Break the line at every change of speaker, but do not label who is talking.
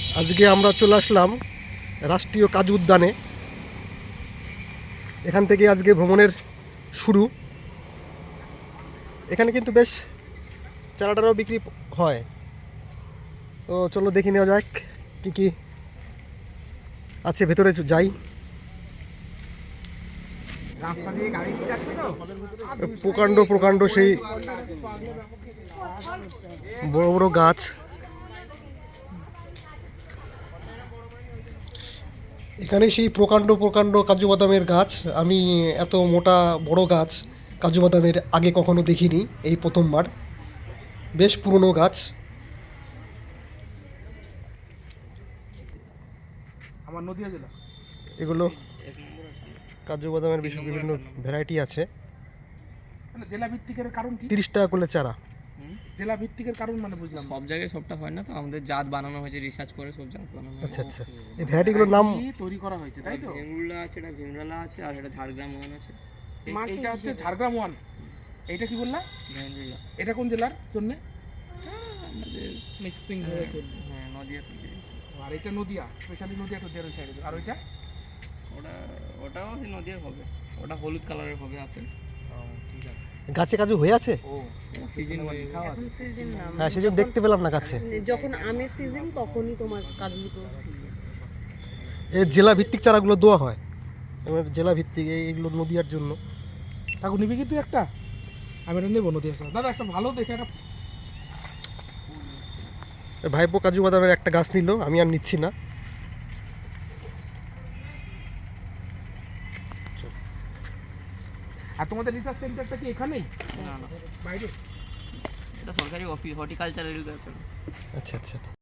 আজকে আমরা চলে আসলাম রাষ্ট্রীয় কাজু উদ্যানে। এখান থেকে আজকে ভ্রমণের শুরু। এখানে কিন্তু বেশ চারাটারও বিক্রি হয়, তো চলো দেখে নেওয়া যাক কী কী আছে, ভেতরে যাই। প্রকাণ্ড প্রকাণ্ড সেই বড় বড় গাছ। এখানে সেই প্রকাণ্ড প্রকাণ্ড কাজু বাদামের গাছ। আমি এত মোটা বড় গাছ কাজু বাদামের আগে কখনো দেখিনি, এই প্রথমবার। বেশ পুরনো গাছ।
আমার নদিয়া জেলা।
এগুলো কাজু বাদামের বিভিন্ন ভ্যারাইটি আছে।
মানে জেলা ভিত্তিকের কারণ কি?
30 টাকা করে চারা।
জেলা ভিত্তিকের কারণ মানে বুঝলাম
সব জায়গায় সবটা হয় না, তো আমাদের জাত বানানো হয়েছে, রিসার্চ করে সব জাত বানানো হয়েছে।
আচ্ছা আচ্ছা, এই ভ্যারাইটিগুলোর নাম
তৈরি করা হয়েছে, তাই তো?
ভেমরুলা আছে, এটা ভীমরালা আছে, আর এটা ঝাড়গ্রাম ওয়ান আছে।
এইটা হচ্ছে ঝাড়গ্রাম ওয়ান। এইটা কি বললা?
ভেমরুলা।
এটা কোন জেলার জন্য?
আমাদের
মিক্সিং হয়েছে।
হ্যাঁ, নদিয়া থেকে।
আর এটা নদিয়া, স্পেশালি নদিয়া নদিয়ার ওই সাইডে। আর ওইটা
ওটাও সেই নদিয়ার হবে, ওটা হলুদ কালারের হবে আপেল।
ঠিক আছে।
গাছে কাজু হয়ে আছে।
ও
সিজন
খাওয়া আছে।
হ্যাঁ, সেজন্য দেখতে পেলাম না গাছে।
যখন আমের সিজন তখনই তোমার কাজগুলো
এই জেলা ভিত্তিক চারাগুলো দেওয়া হয়, এবার জেলা ভিত্তিক এইগুলো নদিয়ার জন্য।
কাকু নিবি কি তুই একটা? আমি এটা নেবো নদিয়া স্যার। দাদা একটা ভালো দেখে একটা।
ভাইপো কাজু বাদামের একটা গাছ নিল, আমি আর নিচ্ছি না।
আর তোমাদের রিসার্চ সেন্টারটা কি এখানেই
না না,
বাইরে?
এটা সরকারি অফিস, হর্টিকালচারের কাছে।
আচ্ছা আচ্ছা।